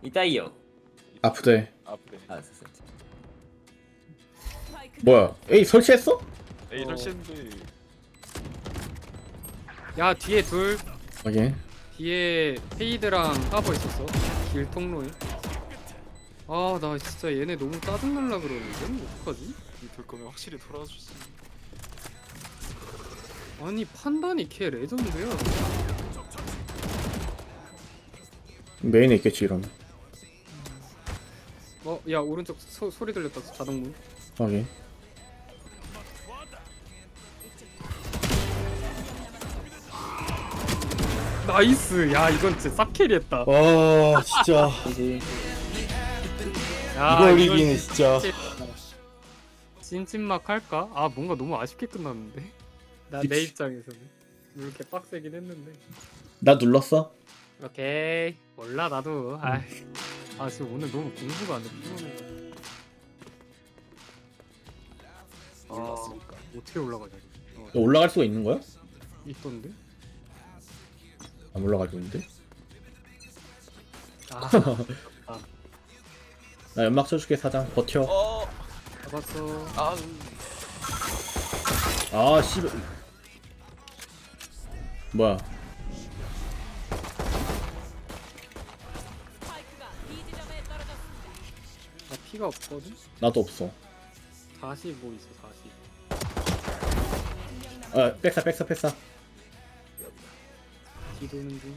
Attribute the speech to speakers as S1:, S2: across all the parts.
S1: 痛いよ。
S2: 아프대.
S3: 아프네.
S1: あ、そうそう。
S2: 뭐야? 에이 설치했어?
S3: 에이 설치했는데
S4: 야 뒤에 둘.
S2: 오케이.
S4: 뒤에 페이드랑 하버 있었어. 길 통로에. 아 나 진짜 얘네 너무 짜증날라 그러는데 어떡하지?
S3: 이돌 거면 확실히 돌아줬어.
S4: 아니 판단이 걔 레전드야.
S2: 메인에 있겠지 이러면.
S4: 야 오른쪽 소리 들렸다. 자동문.
S2: 오케이.
S4: 나이스. 야 이건 진짜 쌉 캐리했다.
S2: 와 진짜
S4: 야,
S2: 이걸
S4: 이건
S2: 이기네 진짜.
S4: 찐찐막 할까? 아 뭔가 너무 아쉽게 끝났는데. 나 내
S2: 그치.
S4: 입장에서는 이렇게 빡세긴 했는데.
S2: 나 눌렀어?
S4: 오케이 몰라 나도. 아 지금 오늘 너무 공부가 안 돼. 피곤해.
S3: 올랐으니까.
S4: 어떻게 올라가냐?
S2: 너 올라갈 수가 있는 거야?
S4: 있던데?
S2: 안 올라가고 있는데?
S4: 아
S2: 나 연막 쳐줄게 사장. 버텨.
S4: 잡았어.
S3: 아,
S2: 아 씨발. 뭐야?
S4: 나 피가 없거든?
S2: 나도 없어.
S4: 45 있어 40.
S2: 백사.
S4: 뒤도는 중.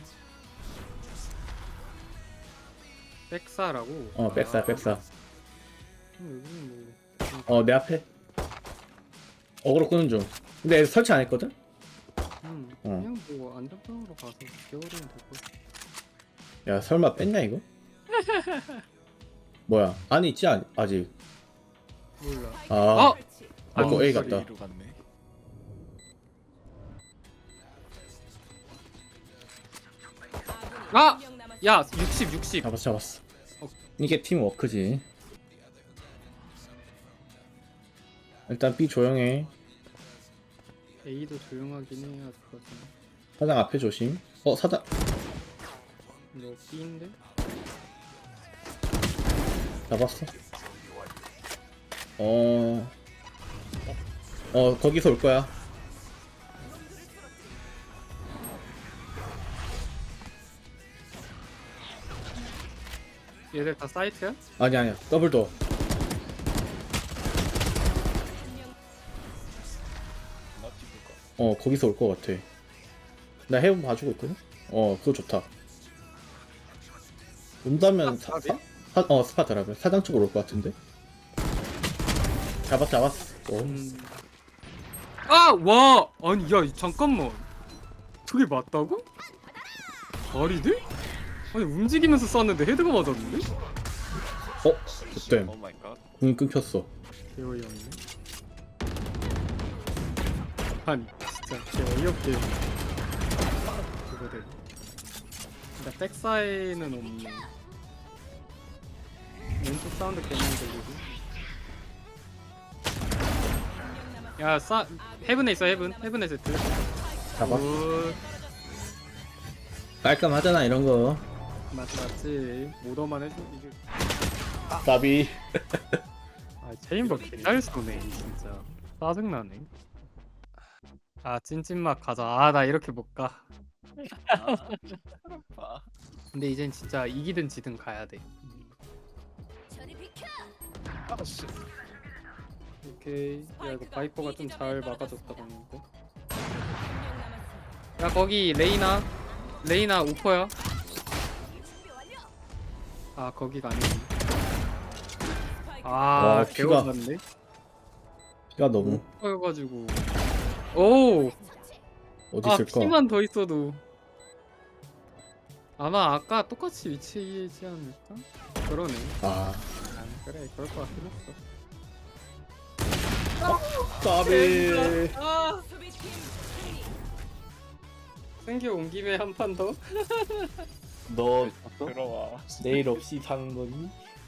S4: 백사라고?
S2: 백사.
S4: 여기는 뭐
S2: 내 앞에. 어그로 끄는 중. 근데 설치 안 했거든?
S4: 그냥 뭐 안전빵으로 가서 개월이면 될 거야.
S2: 야 설마 뺐냐 이거? 뭐야? 안에 있지 아직.
S4: 몰라.
S2: 아.
S4: 어?
S2: A 같다.
S3: A로 갔네.
S4: 아! 야 60.
S2: 잡았어.
S4: 어.
S2: 이게 팀 워크지. 일단 B 조용해.
S4: A도 조용하긴 해야 되거든.
S2: 사장 앞에 조심. 사장.
S4: 너 B인데?
S2: 잡았어. 거기서 올 거야.
S4: 얘들 다 사이트야?
S2: 아니야. 더블도.
S3: 나 찍을까?
S2: 거기서 올 거 같아. 나 해본 봐주고 있거든? 그거 좋다. 온다면 스파트라면 사장 쪽으로 올 것 같은데? 잡았어.
S4: 아! 와! 아니 야 잠깐만. 저게 맞다고? 말이 돼? 아니 움직이면서 쐈는데 헤드가 맞았는데?
S2: 그때
S3: 오 마이 갓.
S2: 공이 끊겼어.
S4: 개어이없네. 아니 진짜 개어이없게 그거를. 근데 백사이는 없네. 왼쪽 사운드 괜히 들리고. 야 헤븐에 있어. 헤븐에 세트.
S2: 잡아.
S4: 굿.
S2: 깔끔하잖아 이런 거.
S4: 맞지. 모더만 해줘 이게.
S2: 까비.
S4: 아 체인버 개잘 쏘네 진짜. 짜증나네. 찐찐막 가자. 나 이렇게 못 가.
S3: 봐.
S4: 근데 이젠 진짜 이기든 지든 가야 돼.
S3: 아 씨.
S4: 오케이. 야 이거 바이퍼가 좀 잘 막아줬다 방금 거. 야 거기 레이나 오퍼야. 거기가 아니지.
S2: 와, 피가.
S4: 개워졌네.
S2: 피가 너무
S4: 오퍼여가지고. 오.
S2: 어디 있을까?
S4: 피만 더 있어도 아마 아까 똑같이 위치이지 않을까? 그러네. 그래 그럴 것 같긴 했어.
S2: 까비.
S4: 생겨 온 김에 한 판 더.
S2: 너
S3: 들어와.
S2: 내일 없이 사는 거니?